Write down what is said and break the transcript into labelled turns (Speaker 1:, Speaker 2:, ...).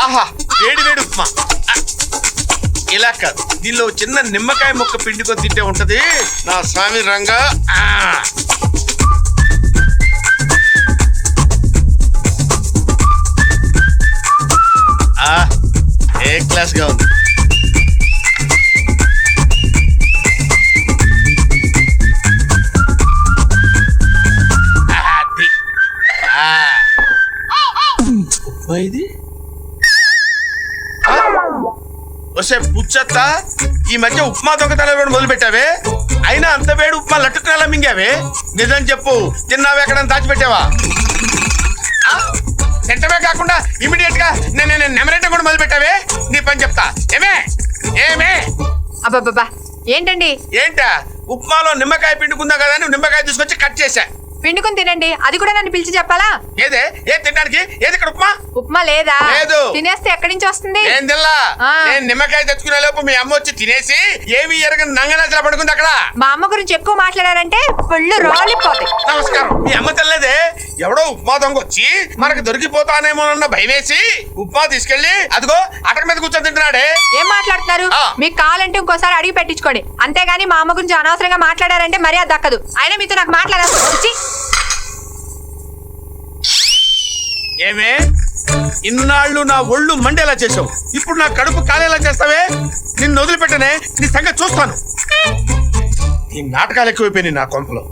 Speaker 1: ఆహా వేడి వేడి ఉప్మా. ఇలా కాదు, దీనిలో చిన్న నిమ్మకాయ ముక్క పిండుకొని తింటే ఉంటది నా స్వామి రంగా. ఏ క్లాస్ గా ఉంది. ఇది వస్తే పుచ్చత్త, ఈ మధ్య ఉప్మా దొంగతనం మొదలు పెట్టావే, అయినా అంత వేడి ఉప్మా లట్టుకునేలా మింగావే. నిజం చెప్పు, తిన్నావే ఎక్కడ దాచిపెట్టావా? తింటమే కాకుండా ఇమీడియట్ గా నేను నెమరేట కూడా మొదలు పెట్టావే. నీ పని చెప్తా. ఏమే ఏమే
Speaker 2: అబ్బాబ్బా ఏంటండి?
Speaker 1: ఏంటా? ఉప్మాలో నిమ్మకాయ పిండుకుందా కదా అని నిమ్మకాయ తీసుకొచ్చి కట్ చేశా.
Speaker 2: పిండుకుని తినండి, అది కూడా నన్ను పిలిచి చెప్పాలా?
Speaker 1: ఏదే ఏం తినడానికి? ఏది ఇక్కడ ఉప్మా?
Speaker 2: ఉప్మా లేదా?
Speaker 1: లేదు.
Speaker 2: తినేస్తే ఎక్కడి నుంచి వస్తుంది?
Speaker 1: ఏం తిల్లా? నేను నిమ్మకాయ తెచ్చుకునే లోపు మీ అమ్మ వచ్చి తినేసి ఏమి ఎరగని నంగనాచలా పడుకుంది అక్కడ.
Speaker 2: మా అమ్మ గురించి ఎక్కువ మాట్లాడారంటే పళ్ళు రాలిపోతాయి.
Speaker 1: నమస్కారం. మీ అమ్మ తెల్లదే, ఎవడో ఉప్మా దొంగ వచ్చి మనకు దొరికిపోతానేమోనన్న భయం వేసి ఉప్మా తీసుకెళ్లి అదిగో అటక మీద కూర్చొని తింటున్నాడే.
Speaker 2: ఏం మాట్లాడుతున్నారు? మీకు కావాలంటే ఇంకోసారి అడిగి పెట్టించుకోండి, అంతేగాని మా అమ్మ గురించి అనవసరంగా మాట్లాడారంటే మర్యాద దక్కదు. అయినా మీతో నాకు మాట్లాడాల్సి వచ్చి.
Speaker 1: ఏమే ఇన్నాళ్ళు నా ఒళ్ళు మండేలా చేసావు, ఇప్పుడు నా కడుపు కాలేలా చేస్తావే? నిన్ను వదిలిపెట్టనే, నీ సంగతి చూస్తాను. ఈ నాటకాలు ఎక్కువైపోయినాయి నా కొంపలో.